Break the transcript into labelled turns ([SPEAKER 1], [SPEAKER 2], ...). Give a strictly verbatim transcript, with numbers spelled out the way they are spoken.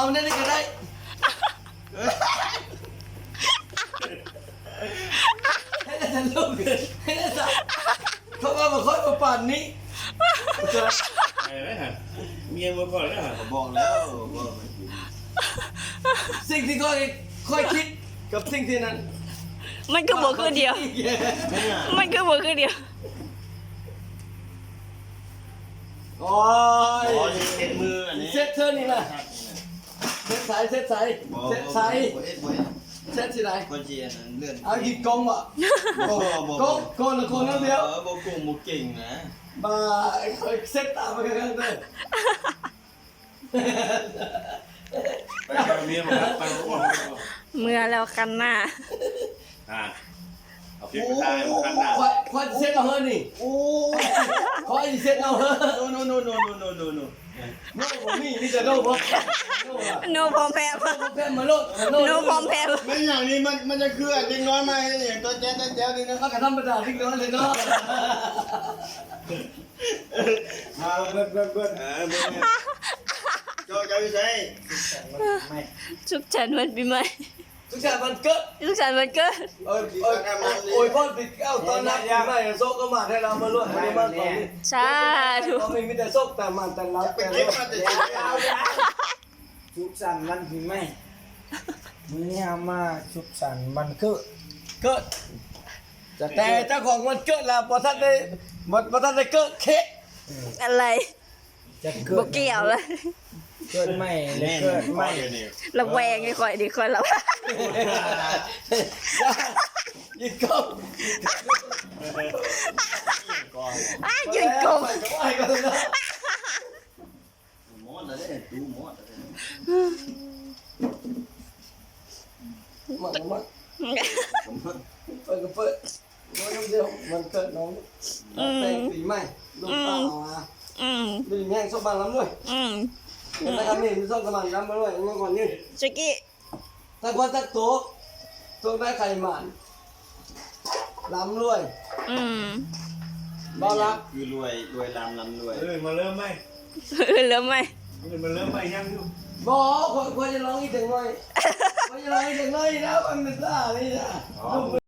[SPEAKER 1] เอาเนี่ยก็ได้ให้ได้ทันลูกให้ได้ทันเขาว่ามาค่อยมาปั่นนี้
[SPEAKER 2] ไอ้นะฮะเมียมาก่อนแล้วฮะ
[SPEAKER 3] บอกแล้วว่า
[SPEAKER 1] สิ่งที่ค่อยค่อยคิดกับสิ่งที่นั้น
[SPEAKER 4] มันคือบัวคือเดียวมันคือบัวคือเดียว
[SPEAKER 1] โอ้ย
[SPEAKER 3] อ๋อเช็ดมืออันนี้
[SPEAKER 1] เซ็ตเธอนี่นะเซ็ตสายเซ็ตสายเซ็ตสายเซ็ตที่ไหน
[SPEAKER 3] คนเชียร์นั้นเลื่อน
[SPEAKER 1] เอาหยิบกงอ่ะกงกงกงละคนนั่นเดียว
[SPEAKER 3] เออบอกกงบอกเก่งนะ
[SPEAKER 1] มาค่อยเซ็ตตามไปกันเลย
[SPEAKER 2] ไปกับเมียมาครับไปกับพ่อ
[SPEAKER 4] เมื่อแล้วกันหน้า
[SPEAKER 2] อ่าเอาพริกไปใส่มาคั้นหน้า
[SPEAKER 1] ค่อยค่อยเซ็ตเอาเฮ้นี่
[SPEAKER 3] โอ้
[SPEAKER 1] ค่อยเซ็ตเอาเฮ้
[SPEAKER 3] โนโนโนโนโนโนโน
[SPEAKER 1] โน่ผมนี่นี่จะโน่ผมโน่อะ
[SPEAKER 4] โนพร้อมแพ้
[SPEAKER 1] โน่ผมแพ้มาโน่โน่
[SPEAKER 4] โนพร้อมแพ้
[SPEAKER 3] ไม่อย่างนี้มันมันจะคือเด็กน้อยมาอย่างตัวแจ๊ดแจ๊ดนี่นะ
[SPEAKER 1] มันก็ธรรมดาที่น้อยเลยเนาะ
[SPEAKER 3] มาเบิดเบิดเบิดเออเบิดโจ้จะไปใช้
[SPEAKER 4] สุขสันต์วันปีใหม่
[SPEAKER 1] ทุกอย่างมันเกิด
[SPEAKER 4] สุขสันต์วันเกิด
[SPEAKER 1] เออเออโอ้ยพ่อติดเก้าตอนนั้นไม่โซกก็มาให้เรามาล้วนไม่มาตอนนี้
[SPEAKER 4] สาธุ
[SPEAKER 1] ก็ไม่มีแต่โซกแต่มันแต่เรา
[SPEAKER 3] ไป
[SPEAKER 1] แต่
[SPEAKER 3] เก็บมาแต่เช้า
[SPEAKER 5] สุขสันต์วันปีใหม่มื้อนี้เอามาสุขสันต์วันเกิด
[SPEAKER 1] เกิดแต่เจ้าของมันเกิดแล้วพอท่านได้พอท่านได้เกิดเค้ก
[SPEAKER 4] อะไร
[SPEAKER 5] จะเกิ
[SPEAKER 4] บ่
[SPEAKER 5] ด
[SPEAKER 4] เกี่ยวเลย
[SPEAKER 5] เกิดใหม่หรือ
[SPEAKER 3] แน่น
[SPEAKER 5] เกิด
[SPEAKER 3] ไม่
[SPEAKER 5] ใหม่
[SPEAKER 3] เดี๋ยวนี้
[SPEAKER 4] ระแวงไอ้ข่อยดิข่อยระแวง
[SPEAKER 1] ยิงก้ม
[SPEAKER 4] อ้ายืนกลม
[SPEAKER 1] ไอ้ก็เลย
[SPEAKER 3] หมดแล้วเนี่ยดูหมดแล้ว
[SPEAKER 1] มันมันเปิดก็เปิดน้องเดียวมันเกิดน้องแต่งปีใหม่ลูกเต่ามา
[SPEAKER 4] อืม
[SPEAKER 1] ดูแง่งส้มบางล้ำด้วย
[SPEAKER 4] อืม
[SPEAKER 1] นะครับนี่มีส้มกระมันล้ำมาด้วยเมื่อก่อนนี่
[SPEAKER 4] ชิกกี้
[SPEAKER 1] ถ้าคนตักโต๊ะโต๊ะได้ไข่หมันล้ำด้วย
[SPEAKER 4] อืม
[SPEAKER 1] บ้ารับ
[SPEAKER 3] คือรวยรวยลำลำรวย
[SPEAKER 2] เออมาเริ่มไหม
[SPEAKER 4] เหลือไหม
[SPEAKER 2] เออมาเริ่มไหมยังอยู่
[SPEAKER 1] บอกคนคนจะร้องอีกถึงหน่อยคนจะร้องอีกถึงหน่อยนะมันเป็นซ่าเลยนะ